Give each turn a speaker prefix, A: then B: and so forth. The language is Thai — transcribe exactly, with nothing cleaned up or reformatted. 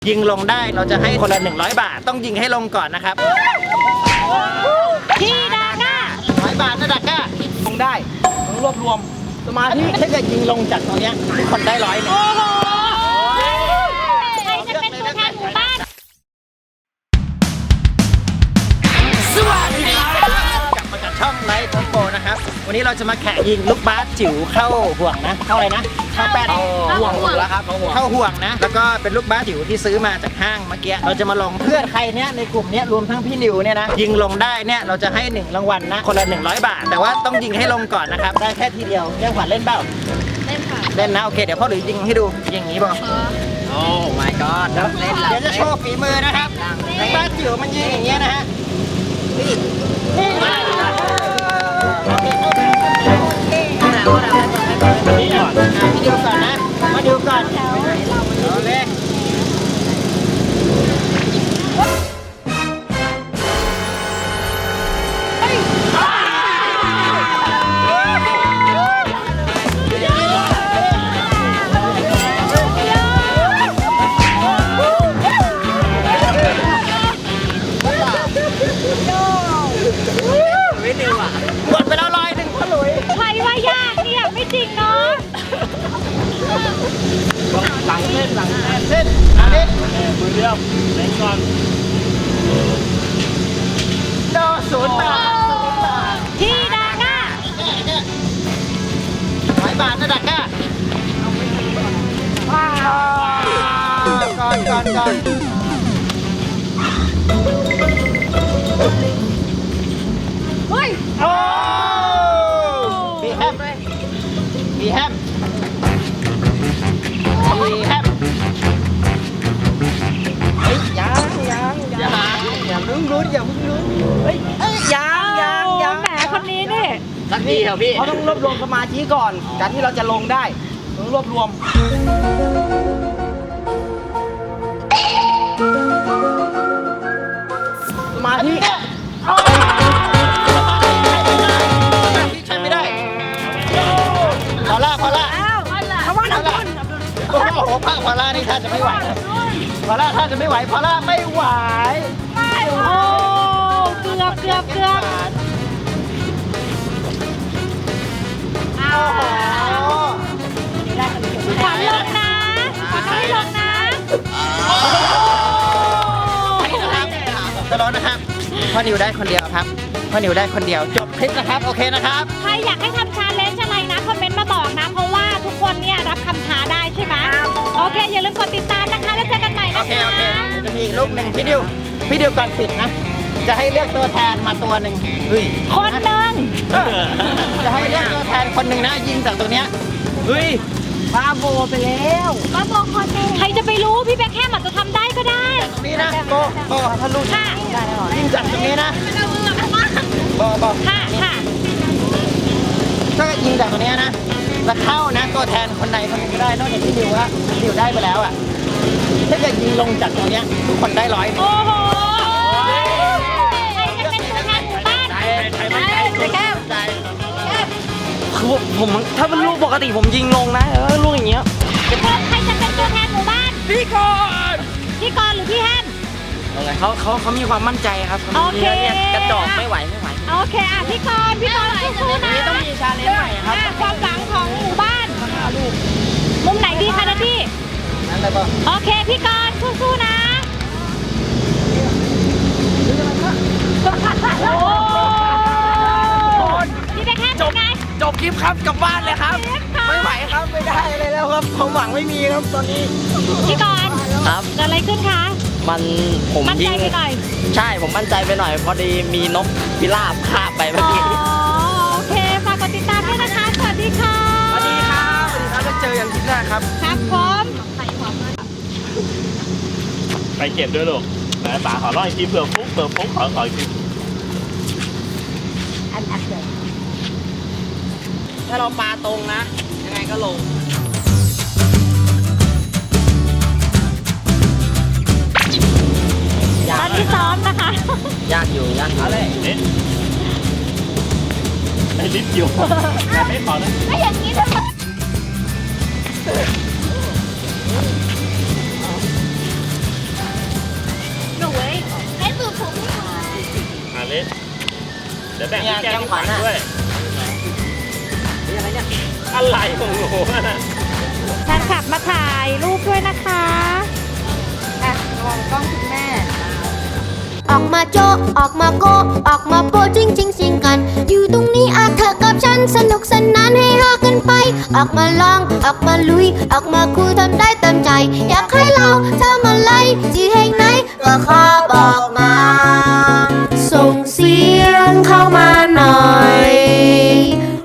A: ยิงลงได้เราจะให้คนละหนึ่งร้อยบาทต้องยิงให้ลงก่อนนะครับ
B: พี่ดาก้า
A: ร้อยบาทนะดาก้า
C: ลงได้ต้องรวบรวมสมาธิ
A: ถ้าเกิดยิงลงจากตรงนี้ทุกคนได้ร้อยหนึ่ง
B: ใครจะเป็นตัวแทนหมู่บ้าน
A: สวัสดีครับกลับมาจากช่องไลฟ์ทอมโปนะครับวันนี้เราจะมาแข่งยิงลูกบาสจิ๋วเข้าห่วงนะเข้าอะไรนะเข้าแป้น
C: ห่วงหมดแล้วครับ
A: เข้าห่วงนะแล้วก็เป็นลูกบาสจิ๋วที่ซื้อมาจากห้างเมื่อกี้เราจะมาลงเพื่อนใครเนี้ยในกลุ่มเนี้ยรวมทั้งพี่นิวเนี่ยนะยิงลงได้เนี่ยเราจะให้หนึ่งรางวัลนะคนละหนึ่งร้อยบาทแต่ว่าต้องยิงให้ลงก่อนนะครับได้แค่ทีเดียวเล่นขวัญเล่นเปล่า
B: เล่นค่ะ
A: เล่นนะโอเคเดี๋ยวพ่อหลุยยิงให้ดูยิงอย่างนี้ป่ะ
C: โอ้ my god
A: เดี๋ยวจะโชว์ฝีมือนะครับลูกบาสจิ๋วมันยิงอย่างเงี้ยนะฮะนี่นี่มานี่ก่อนมาดูก่อนนะมาดูก่อนเอาเลยหมดไปแล้วร้อยหนึ่งพ่อหลุย
B: ใครว่ายากเนี่ยไม่จริงเนาะ
C: หลังเล่นหลัง
A: เล่นอันนี้
C: มือเดียวเล่นก่อน
A: โดศูนย์บาท
B: พี่ดาก้า
A: ร้อยบาทนะดาก้าก่อนก่อนก่อน
B: เฮ้ย
A: โอ้บีแฮมบีแฮมบีแฮมเฮ้ยยังยังยังอย่าเพิ่งลุ้นอย่าเพิ่งลุ้นเฮ้ยยังยังยัง
B: แหมคนนี้นี่
C: สักทีเถอะพี่เขาต้องรวบรวมสมาธิก่อนการที่เราจะลงได้ต้องรวบรวมสมาธิ
A: ใช้ไม่ได้พอล่าพอล่า
B: เพราะว่าเราคน
A: โอ้โหพอล่านี่ท่าจะไม่ไหวพอล่าท่าจะไม่ไหวพอล่าไม่ไหว
B: โอ้เกือบเกือบเกือบเอาขวัญลงนะขวัญไม่ลงนะ
A: จะร้อนนะครับพ่อนิวได้คนเดียวครับพ่อนิวได้คนเดียวจบคลิปนะครับโอเคนะครับ
B: ใครอยากให้ทำชาเลนจ์อะไรนะคอมเมนต์มาบอกนะเพราะว่าทุกคนเนี่ยรับคำท้าได้ใช่ไหมโอเคอย่าลืมกดติดตามนะคะแล้วเจอกันใหม่นะคะ
A: โอเคโอเคจะมีอีกรูปหนึ่งพี่ดิวพี่ดิวก่อนปิดนะจะให้เลือกตัวแทนมาตัวหนึ่งเฮ้ย
B: คนหนึ่ง
A: จะให้เลือกตัวแทนคนหนึ่งนะยิงจากตรงเนี้ย
C: เฮ้ยบ้าโบไปแล้ว
B: บ้าโบคนหนึ่งใครจะไปรู้พี่แบ็คแฮมอาจจะทำได้ก็ได้
A: ตรงนี้นะโบโบทะลุ
B: ค่ะ
A: ยิงจากตรงนี้นะโบโบ
B: ค่ะค่ะ
A: ถ้ายิงจากตรงนี้นะจะเข้านะตัวแทนคนไหนคนนึงก็ได้นอกจากพี่ดิวละดิวได้ไปแล้วอ่ะถ้าเกิดยิงลงจากตรงนี้ทุกคนได้ร้อย
B: โอ้โหใครจะเป็นตัวแทนหมู่บ้าน
A: ใครมั่นใจใครแก้วใจ
C: คือผมถ้าเป็นลูกปกติผมยิงลงนะแต่ว่าลูกอย่างเงี้ย
B: ใครจะเป็นตัวแทนหมู่บ้าน
C: พี่กร
B: พี่กรหรือพี่แฮม
C: เขาเขาเขามีความมั่นใจครับ
B: โอเค
C: กระจอกไม่ไหวไม่ไหว
B: โอเคอ่ะพี่กรพี่กรสู้ๆนะ
C: ต้องมีชาเลนจ์ใหม่ครับ
B: ความหวังของหมู่บ้านมุมไหนดีคะนะพี่
A: นั่นเลยป่ะ
B: โอเคพี่กรสู้ๆนะโอ้พี่แบ็คแฮมเป็นไง
C: จบคลิปครับกลับบ้านเลยครับไม่ไหวครับไม่ได้เลยแล้วครับความหวังไม่มีครับตอนนี้
B: พี่กร
C: ครับ
B: เกิดอะไรขึ้นคะ
C: มันผม
B: มั่นใจไปหน่อย
C: ใช่ผมมั่นใจไปหน่อยพอดีมีนกพิราบคาบไปเมื่อกี้
B: โอเคฝากกดติดตามด้วยนะคะสวัสดีค่ะ
C: สวัสดีครับสวัสดีครับจะเจอกันคลิปหน้าครับ
B: ครับผม
D: ไปเก็บด้วยลูกไหนป๋าขอร้องอีกทีเผื่อฟุ๊กเผื่อฟุ๊กขอขออีกที
C: ถ้าเราปลาตรงนะยังไงก็ลง
B: ตอนที่ซ้อมนะคะ
C: ยากอยู่ยากอยู่เลย
D: เอ๊ะไอ้ลิฟต์อยู่ไม่ขอนะ
B: ไม่อย่างนี้ทำไม
D: เล็กเดี๋ยวแบ่ง
A: เนี่ย
D: แก้
A: แก้
D: ม
A: มขวัญ
D: ขวัญ
A: อะ
D: ด้วย
A: นี่อะไรเนี่ย
D: อะไรของหนูอะ
B: แฟนคลับมาถ่ายรูปด้วยนะคะอ่ะมองกล้องคุณแม่
E: ออกมาโจะออกมาโกะออกมาโปะจริงจริงสิงกัน อยู่ตรงนี้อาเธอกับฉันสนุกสนานให้ฮากันไป ออกมาลองออกมาลุย ออกมาคุยทำได้